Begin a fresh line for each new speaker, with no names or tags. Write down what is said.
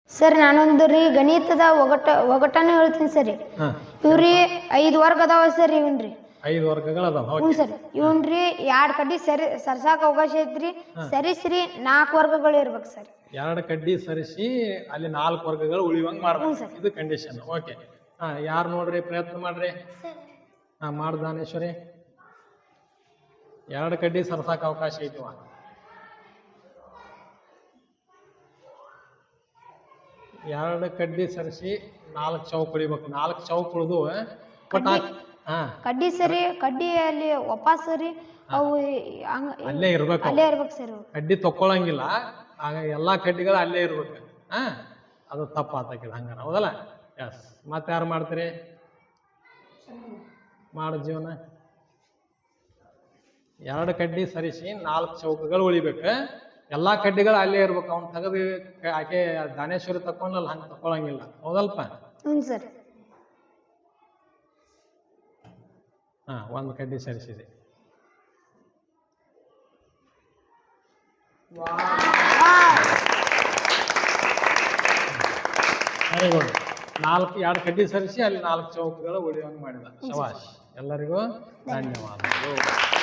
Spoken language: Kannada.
ಸರ್ ನಾನೊಂದು ರೀ ಗಣಿತದ ಒಗಟನ ಹೇಳ್ತೀನಿ ಸರಿ. ಇವ್ರಿ 5 ವರ್ಗ ಅದಾವ ಸರ್. ಇವನ್ರಿ
5 ವರ್ಗಗಳು ಅದಾವ.
ಹ್ಞೂ ಸರ್. ಇವನ್ರಿ 2 ಕಡ್ಡಿ ಸರ್ಸಾಕ ಅವಕಾಶ ಐತ್ರಿ. ಸರಿಸ್ರಿ 4 ವರ್ಗಗಳು ಇರ್ಬೇಕು ಸರ್.
2 ಕಡ್ಡಿ ಸರಿಸಿ ಅಲ್ಲಿ 4 ವರ್ಗಗಳು ಉಳಿಯುವಂಗೆ ಮಾಡ್ಬೇಕು. ಇದು ಕಂಡೀಷನ್. ಓಕೆ. ಯಾರು ನೋಡ್ರಿ, ಪ್ರಯತ್ನ ಮಾಡ್ರಿ. ಮಾಡು ದಾನೇಶ್ವರಿ. 2 ಕಡ್ಡಿ ಸರ್ಸಾಕ ಅವಕಾಶ ಐತಿವ. 2 ಕಡ್ಡಿ ಸರಿಸಿ 4 ಚೌಕ್ ಉಳಿಬೇಕು. 4 ಚೌಕ್ ಉಳಿದು
ಕಡ್ಡಿ ಸರಿ, ಕಡ್ಡಿ ಅಲ್ಲಿ ವಾಪಸ್ ಸರಿ ಅವು
ಅಲ್ಲೇ ಇರ್ಬೇಕು
ಸರ್.
ಕಡ್ಡಿ ತಕ್ಕೊಳಂಗಿಲ್ಲ. ಆಗ ಎಲ್ಲಾ ಕಡ್ಡಿಗಳು ಅಲ್ಲೇ ಇರ್ಬೇಕು. ಅದು ತಪ್ಪಾತಕ್ಕಿದ ಹಂಗಾರ, ಹೌದಲ್ಲ? ಎಸ್. ಮತ್ತೆ ಯಾರು ಮಾಡ್ತೀರಿ? ಮಾಡು ಜೀವನ. 2 ಕಡ್ಡಿ ಸರಿಸಿ 4 ಚೌಕಗಳು ಉಳಿಬೇಕು. ಎಲ್ಲಾ ಕಡ್ಡಿಗಳು ಅಲ್ಲೇ ಇರ್ಬೇಕು. ಅವ್ನು ತೆಗೆದು ಆಕೆ ದಾನೇಶ್ವರಿ ತಕೊಂಡಲ್ಲ, ಹಂಗೆ ತಕೊಳಂಗಿಲ್ಲ, ಹೌದಲ್ಪ?
ಹ್ಞೂ ಸರ್.
1 ಕಡ್ಡಿ ಸರಿಸಿದೆ. Very good. 2 ಕಡ್ಡಿ ಸರಿಸಿ ಅಲ್ಲಿ 4 ಚೌಕಗಳು ಉಳಿಯುವಂಗೆ ಮಾಡಿದ. ಶಬಾಷ್. ಎಲ್ಲರಿಗೂ ಧನ್ಯವಾದಗಳು.